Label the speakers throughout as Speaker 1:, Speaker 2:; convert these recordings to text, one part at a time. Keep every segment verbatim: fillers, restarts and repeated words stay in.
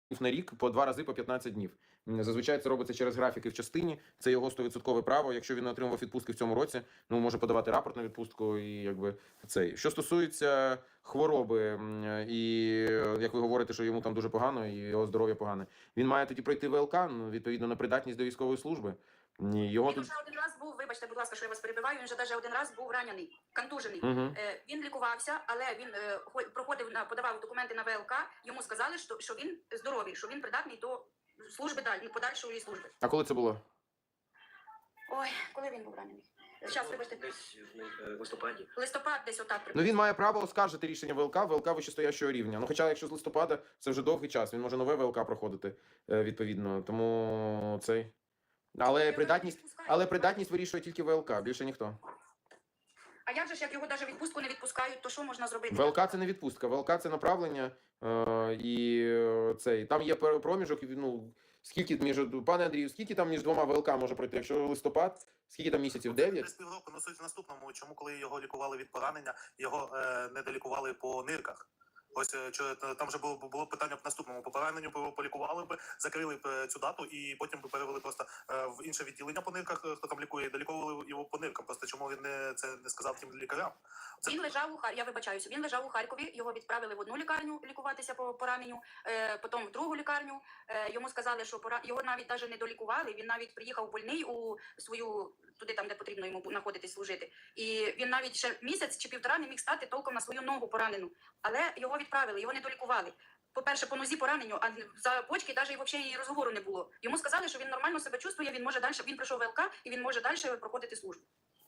Speaker 1: на рік по два рази по п'ятнадцять днів. Зазвичай це робиться через графіки в частині. Це його сто відсотків право. Якщо він не отримав відпустки в цьому році, ну може подавати рапорт на відпустку і якби цей. Що стосується хвороби, і як ви говорите, що йому там дуже погано і його здоров'я погане, він має тоді пройти ВЛК, ну, відповідно на придатність до військової служби. Його
Speaker 2: він
Speaker 1: тут...
Speaker 2: вже один раз був, вибачте, будь ласка, що я вас перебиваю, він вже навіть один раз був ранений, контужений.
Speaker 1: Угу.
Speaker 2: Е, він лікувався, але він е, проходив, на, подавав документи на ВЛК, йому сказали, що, що він здоровий, що він придатний до служби далі, подальшої служби.
Speaker 1: А коли це було?
Speaker 2: Ой, коли він був ранений? Зараз, вибачте.
Speaker 3: Десь в листопаді.
Speaker 2: Листопад десь отак.
Speaker 1: Ну він має право оскаржити рішення ВЛК, ВЛК вищестоящого рівня. Ну хоча, якщо з листопада, це вже довгий час, він може нове ВЛК проходити, відповідно. Тому цей... Але придатність, але придатність вирішує тільки ВЛК, більше ніхто.
Speaker 2: А як же ж, як його навіть відпустку не відпускають, то що можна зробити?
Speaker 1: ВЛК це не відпустка, ВЛК це направлення, е, і цей, там є проміжок, ну, скільки між, пане Андрію, скільки там між двома ВЛК може пройти? Якщо листопад, скільки там місяців? дев'ять?
Speaker 4: Десь півроку, ну суть в наступному, чому коли його лікували від поранення, його е, не долікували по нирках. Ось що там вже було було питання в наступному по пораненню, б полікували б, закрили б цю дату і потім б перевели просто е, в інше відділення по нирках, хто там лікує, і доліковували його по ниркам. Просто чому він не це не сказав тим лікарям? Це...
Speaker 2: Він лежав у Хар... я вибачаюся. Він лежав у Харкові. Його відправили в одну лікарню лікуватися по пораненню, е, потім в другу лікарню. Е, йому сказали, що пора... його навіть навіть не долікували. Він навіть приїхав больний у свою туди, там де потрібно йому знаходитись служити. І він навіть ще місяць чи півтора не міг стати толком на свою ногу поранену. Але його відправили, його не долікували. По-перше, по нозі пораненню, а за почки навіть і взагалі розговору не було. Йому сказали, що він нормально себе чувствує, він може далі, він пройшов ВЛК і він може далі проходити службу.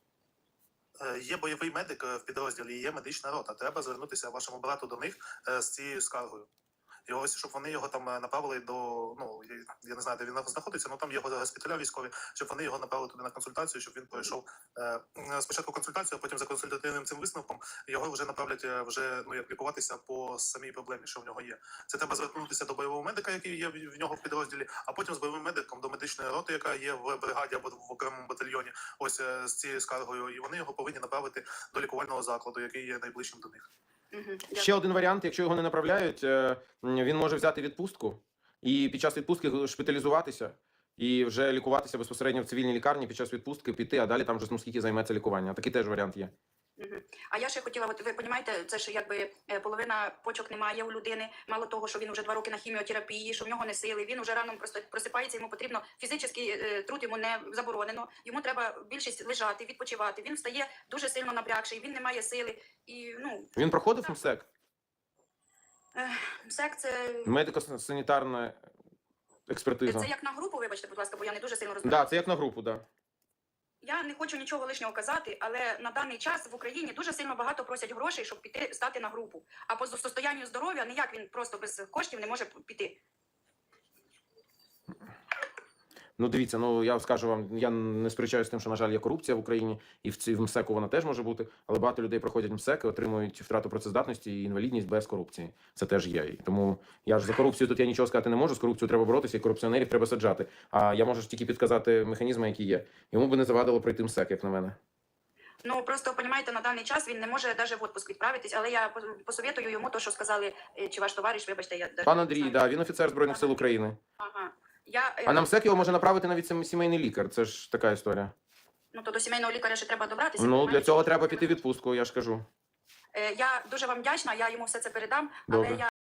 Speaker 4: Є бойовий медик в підрозділі, є медична рота. Треба звернутися вашому брату до них з цією скаргою. І ось, щоб вони його там направили до, ну, я не знаю, де він знаходиться, але там є госпіталя військові, щоб вони його направили туди на консультацію, щоб він пройшов е, спочатку консультацію, а потім за консультативним цим висновком його вже направлять вже, ну, як лікуватися по самій проблемі, що в нього є. Це треба звернутися до бойового медика, який є в нього в підрозділі, а потім з бойовим медиком до медичної роти, яка є в бригаді або в окремому батальйоні, ось з цією скаргою, і вони його повинні направити до лікувального закладу, який є найближчим до них.
Speaker 1: Ще один варіант, якщо його не направляють, він може взяти відпустку і під час відпустки шпиталізуватися і вже лікуватися безпосередньо в цивільній лікарні, під час відпустки піти, а далі там вже, ну, скільки займеться лікування. Такий теж варіант є.
Speaker 2: А я ще хотіла, от ви розумієте, це ж якби половина почок немає у людини, мало того, що він вже два роки на хіміотерапії, що в нього не сили, він вже рано просто просипається, йому потрібно фізичний труд, йому не заборонено, йому треба більшість лежати, відпочивати, він встає дуже сильно напрягший, він не має сили. І, ну,
Speaker 1: він проходив МСЕК?
Speaker 2: МСЕК це...
Speaker 1: Медико-санітарна експертиза.
Speaker 2: Це як на групу, вибачте, будь ласка, бо я не дуже сильно розумію.
Speaker 1: Так, да, це як на групу, так. Да.
Speaker 2: Я не хочу нічого лишнього казати, але на даний час в Україні дуже сильно багато просять грошей, щоб піти стати на групу. А по состоянню здоров'я ніяк він просто без коштів не може піти.
Speaker 1: Ну, дивіться, ну я скажу вам, я не сперечаюся з тим, що, на жаль, є корупція в Україні, і в цій в МСЕКу вона теж може бути, але багато людей проходять МСЕК і отримують втрату працездатності і інвалідність без корупції. Це теж є. І тому я ж за корупцію тут я нічого сказати не можу, з корупцією треба боротися, і корупціонерів треба саджати. А я можу ж тільки підказати механізми, які є. Йому би не завадило пройти МСЕК, як на мене.
Speaker 2: Ну, просто, розумієте, на даний час він не може навіть в відпуск відправитись, але я посоветую йому то, що сказали, чи ваш товариш, вибачте, я...
Speaker 1: Пан Андрій, так, да, він офіцер Збройних сил України.
Speaker 2: Ага. Я...
Speaker 1: А на МСЕК його може направити навіть сімейний лікар, це ж така історія.
Speaker 2: Ну, то до сімейного лікаря ще треба добратися.
Speaker 1: Ну, для цього треба піти в відпустку, я ж кажу.
Speaker 2: Я дуже вам вдячна, я йому все це передам,
Speaker 1: Добре.
Speaker 2: але я